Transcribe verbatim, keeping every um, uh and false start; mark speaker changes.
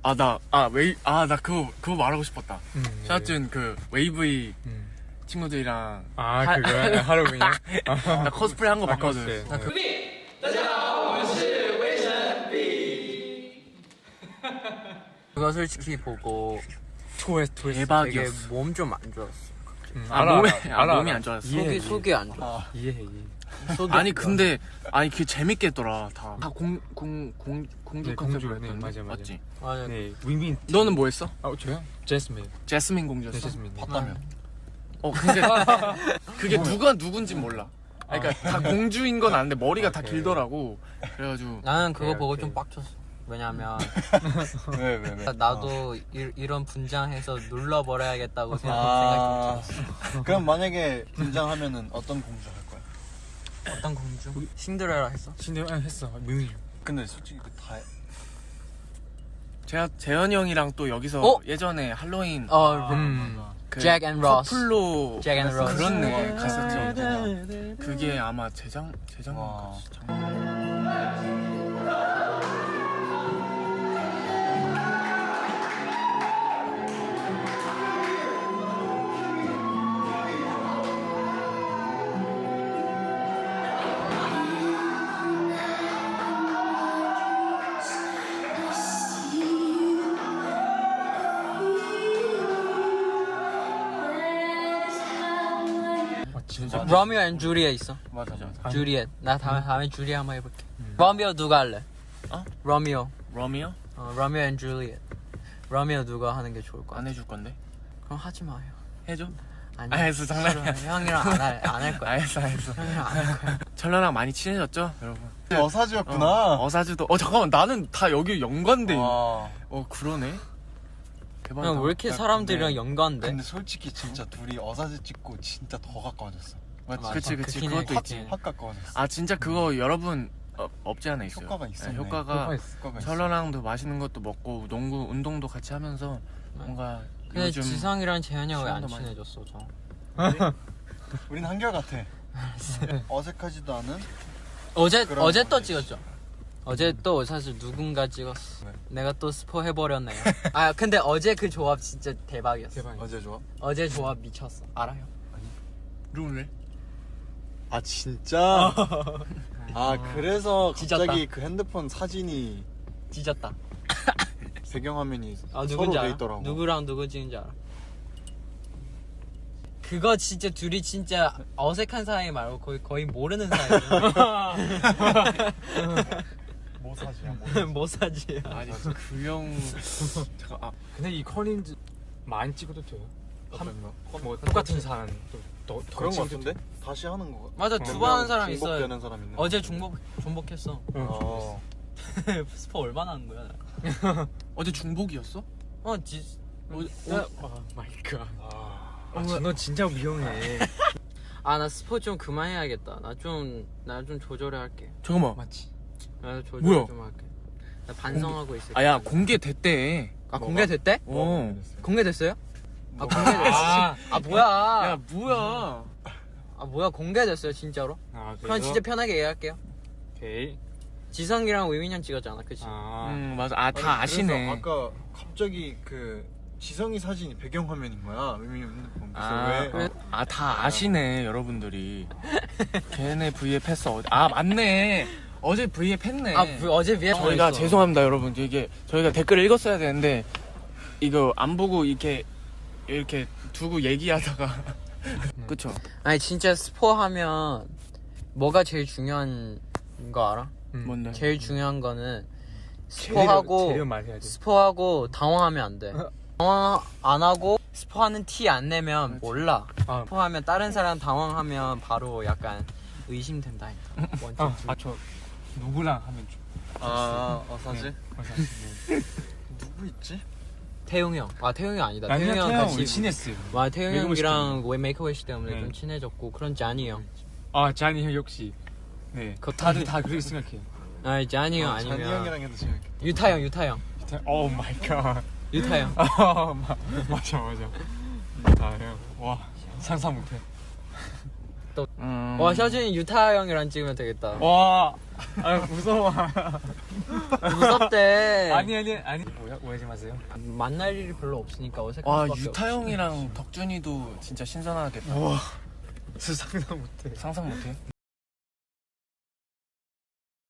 Speaker 1: 아, 나, 아, 웨이, 아, 나 그거, 그거 말하고 싶었다.
Speaker 2: 음,
Speaker 1: 샤준 그, 웨이브이
Speaker 2: 음.
Speaker 1: 친구들이랑.
Speaker 2: 아,
Speaker 1: 하-
Speaker 2: 그거야? 하루 그냥?
Speaker 1: 나 코스프레 한 거
Speaker 2: 아,
Speaker 1: 봤거든.
Speaker 2: 코스프레.
Speaker 1: 나 그,
Speaker 3: 그거 솔직히 보고
Speaker 2: 토했, 토했어.
Speaker 3: 되게
Speaker 1: 대박이었어.
Speaker 3: 몸 좀 안 좋았어.
Speaker 2: 음,
Speaker 1: 아, 몸에, 아, 몸이 안 좋았어.
Speaker 2: 이해해,
Speaker 3: 속이
Speaker 2: 이해해.
Speaker 3: 속이 안 좋아.
Speaker 2: 이해해, 이해해.
Speaker 3: 속이
Speaker 1: 아니,
Speaker 3: 안 좋아.
Speaker 1: 근데, 아니, 그게 재밌게 했더라, 다. 다 공, 공, 공, 공주
Speaker 2: 네,
Speaker 1: 컨셉으로
Speaker 2: 공주. 네,
Speaker 1: 했던데.
Speaker 2: 맞아, 맞아.
Speaker 1: 맞지?
Speaker 3: 맞아.
Speaker 2: 네, 윈윈.
Speaker 1: 너는 뭐 했어?
Speaker 2: 아, 저요? 제스민.
Speaker 1: 제스민
Speaker 2: 네,
Speaker 1: 공주였어?
Speaker 2: 제스민.
Speaker 4: 봤다며.
Speaker 1: 어, 근데, 그게 누가 누군진 몰라. 아니, 그러니까 다 공주인 건 아는데 머리가 다
Speaker 2: 오케이.
Speaker 1: 길더라고. 그래가지고.
Speaker 3: 나는 그거
Speaker 2: 오케이,
Speaker 3: 보고
Speaker 2: 오케이.
Speaker 3: 좀 빡쳤어. 왜냐면
Speaker 4: 왜, 왜, 왜?
Speaker 3: 나도 이, 이런 분장해서 눌러버려야겠다고 생각,
Speaker 4: 아,
Speaker 3: 생각이 좀 들었어.
Speaker 4: 그럼 만약에 분장하면은 어떤 공주 할 거야?
Speaker 3: 어떤 공주? 신데렐라 했어?
Speaker 2: 신대 아, 했어. 윈윈.
Speaker 4: 근데 솔직히 그 다.
Speaker 1: 제가 재현이 형이랑 또 여기서
Speaker 3: 어?
Speaker 1: 예전에 할로윈
Speaker 3: 어,
Speaker 2: 음.
Speaker 1: 그
Speaker 3: 잭 앤 로스.
Speaker 1: 커플로
Speaker 3: 잭 앤 로스.
Speaker 1: 그렇네
Speaker 4: 와,
Speaker 1: 갔었죠.
Speaker 4: 진짜.
Speaker 1: 그게 아마 재작
Speaker 4: 와.
Speaker 1: 재작년
Speaker 2: 아, 진짜.
Speaker 3: 로미오 앤 주리엣 있어.
Speaker 4: 맞아, 맞아.
Speaker 2: 아니.
Speaker 3: 주리엣. 나 다음에 다음에 주리엣 한번 해볼게. 로미오 누가 할래?
Speaker 1: 어?
Speaker 3: 로미오.
Speaker 1: 로미오
Speaker 3: 어, 로미오 앤 주리엣. 로미오 누가 하는 게 좋을 것 같아?
Speaker 1: 안 해줄 건데
Speaker 3: 그럼 하지 마요.
Speaker 1: 해줘.
Speaker 3: 아니.
Speaker 1: 알겠어, 장난이야.
Speaker 3: 형이랑 안 할 안 할 거야.
Speaker 1: 알겠어 알겠어.
Speaker 3: 형이랑 안 할 거야.
Speaker 1: 철러랑 많이 친해졌죠, 여러분.
Speaker 4: 어사지였구나.
Speaker 1: 어, 어사주도. 어 잠깐만 나는 다 여기 연관돼.
Speaker 4: 와.
Speaker 1: 어 그러네. 대박이다.
Speaker 3: 형 왜 이렇게 사람들이랑
Speaker 4: 근데-
Speaker 3: 연관돼?
Speaker 4: 근데 솔직히 진짜 둘이 어사지 찍고 진짜 더 가까워졌어. 맞지?
Speaker 3: 맞아.
Speaker 1: 그치 그치
Speaker 3: 그긴 해,
Speaker 1: 그것도
Speaker 3: 그긴
Speaker 1: 있지.
Speaker 3: 해.
Speaker 4: 확 가까워졌어.
Speaker 1: 아 진짜 그거 여러분 어, 없지 않아 있어요.
Speaker 4: 효과가 있었네.
Speaker 1: 네, 효과가
Speaker 2: 효과 있어.
Speaker 4: 효과가 있어.
Speaker 1: 철러랑도 맛있는 것도 먹고 농구 운동도 같이 하면서 뭔가
Speaker 3: 근데
Speaker 1: 요즘
Speaker 3: 지성이랑 재현이 형 왜 안
Speaker 1: 시간도 많이-
Speaker 3: 친해졌어 저?
Speaker 4: 우린 한결같아. 어색하지도 않은.
Speaker 3: 어제
Speaker 4: 그런
Speaker 3: 어제 또
Speaker 4: 거지.
Speaker 3: 찍었죠. 어제 또 사실 누군가 찍었어.
Speaker 4: 네.
Speaker 3: 내가 또 스포 해버렸네요. 아 근데 어제 그 조합 진짜 대박이었어.
Speaker 2: 대박.
Speaker 4: 어제 좋아?
Speaker 3: 어제 조합 미쳤어. 알아요?
Speaker 1: 룰래?
Speaker 4: 아 진짜? 아 그래서
Speaker 3: 찢었다.
Speaker 4: 갑자기 그 핸드폰 사진이
Speaker 3: 뒤졌다.
Speaker 4: 배경화면이
Speaker 3: 아
Speaker 4: 서로
Speaker 3: 누군지
Speaker 4: 돼
Speaker 3: 알아?
Speaker 4: 있더라고.
Speaker 3: 누구랑 누구 찍은지 알아? 그거 진짜 둘이 진짜 어색한 사이 말고 거의 거의 모르는 사이.
Speaker 4: 뭐 사지야? 뭐.
Speaker 3: 뭐 사지야?
Speaker 1: 아니 그형 잠깐 아
Speaker 2: 근데 이 컬린즈 많이 찍어도 돼요?
Speaker 4: 어떤 거?
Speaker 2: 뭐 똑같은 사람 또 더, 더
Speaker 4: 그런 거
Speaker 2: 찍어도
Speaker 4: 같은데? 다시 하는 거.
Speaker 3: 맞아 두 번 하는 사람 있어요.
Speaker 4: 중복되는 사람 있는.
Speaker 3: 어제 중복 중복했어.
Speaker 4: 어.
Speaker 3: 스포 얼마나 하는 거야? 나?
Speaker 1: 어제 중복이었어?
Speaker 3: 어 지.
Speaker 1: 어,
Speaker 2: 오 마이 갓.
Speaker 4: 아.
Speaker 2: 아, 너 진짜 위험해.
Speaker 3: 아 나 스포 좀 그만해야겠다. 나 좀 나 좀 조절해 할게.
Speaker 1: 잠깐만.
Speaker 2: 맞지?
Speaker 3: 나 조절
Speaker 1: 뭐야?
Speaker 3: 좀 할게. 나 반성하고 있을게.
Speaker 1: 아야 공개됐대.
Speaker 3: 아 공개됐대?
Speaker 1: 어.
Speaker 3: 공개됐어요? 아
Speaker 4: 뭐가?
Speaker 3: 공개됐어.
Speaker 2: 아,
Speaker 3: 아 뭐야?
Speaker 1: 야 뭐야?
Speaker 3: 아 뭐야 공개됐어요 진짜로?
Speaker 2: 아,
Speaker 3: 그럼 진짜 편하게 얘기할게요.
Speaker 2: 오케이.
Speaker 3: 지성이랑 위민이 형 찍었잖아, 그치?
Speaker 2: 아,
Speaker 1: 음 맞아. 아 다
Speaker 4: 아니,
Speaker 1: 아시네.
Speaker 4: 그래서 아까 갑자기 그 지성이 사진이 배경화면인 거야. 의미 핸드폰. 그래서
Speaker 1: 아,
Speaker 4: 왜?
Speaker 1: 아, 다 아시네, 여러분들이. 걔네 브이앱 했어. 아, 맞네. 어제 브이앱 했네.
Speaker 3: 아 그, 어제 위에
Speaker 1: 저희가 죄송합니다, 여러분. 이게 저희가 댓글을 읽었어야 되는데 이거 안 보고 이렇게 이렇게 두고 얘기하다가 그쵸?
Speaker 3: 아니 진짜 스포 하면 뭐가 제일 중요한 거 알아?
Speaker 2: 음.
Speaker 1: 뭔데?
Speaker 3: 제일 중요한 거는
Speaker 2: 재료,
Speaker 3: 스포하고
Speaker 2: 재료 말해야 돼.
Speaker 3: 스포하고 당황하면 안 돼. 당황 안 하고 스포하는 티 안 내면 몰라.
Speaker 2: 아,
Speaker 3: 스포하면 다른 사람 당황하면 바로 약간 의심된다니까. 원칙.
Speaker 2: 아, 아, 저 누구랑 하면 좀.
Speaker 4: 아, 어사지?
Speaker 2: 네.
Speaker 4: 누구 있지?
Speaker 3: 태용이 형. 아 태용이 아니다.
Speaker 2: 나는
Speaker 3: 태용이 형
Speaker 2: 태형
Speaker 3: 같이.
Speaker 2: 우리 친했어요.
Speaker 3: 와 태용이
Speaker 2: 메이크업
Speaker 3: 형이랑 왜 메이크업 때문에
Speaker 2: 네.
Speaker 3: 좀 친해졌고 그런 자니 형.
Speaker 2: 아, 자니 형 역시. 네.
Speaker 3: 그거
Speaker 2: 다들 다 그렇게 생각해요.
Speaker 3: 아 자니 형
Speaker 4: 어,
Speaker 3: 아니면
Speaker 4: 잔이 형이랑 해도 재밌겠다.
Speaker 3: 유타 형 유타 형
Speaker 2: 오 마이 갓.
Speaker 3: 유타 형.
Speaker 2: 아, 마- 맞아, 맞아. 아, 형. 와, 상상 못해.
Speaker 1: 음...
Speaker 3: 와 셔준이 유타 형이랑 찍으면 되겠다.
Speaker 2: 와, 아 무서워.
Speaker 3: 무섭대.
Speaker 2: 아니 아니 아니. 뭐야 오해하지 마세요.
Speaker 3: 만날 일이 별로 없으니까 어색할
Speaker 1: 와
Speaker 3: 수밖에
Speaker 1: 유타
Speaker 3: 없지.
Speaker 1: 형이랑 덕준이도 진짜 신선하겠다.
Speaker 4: 와 진짜 상상 못해.
Speaker 1: 상상 못해.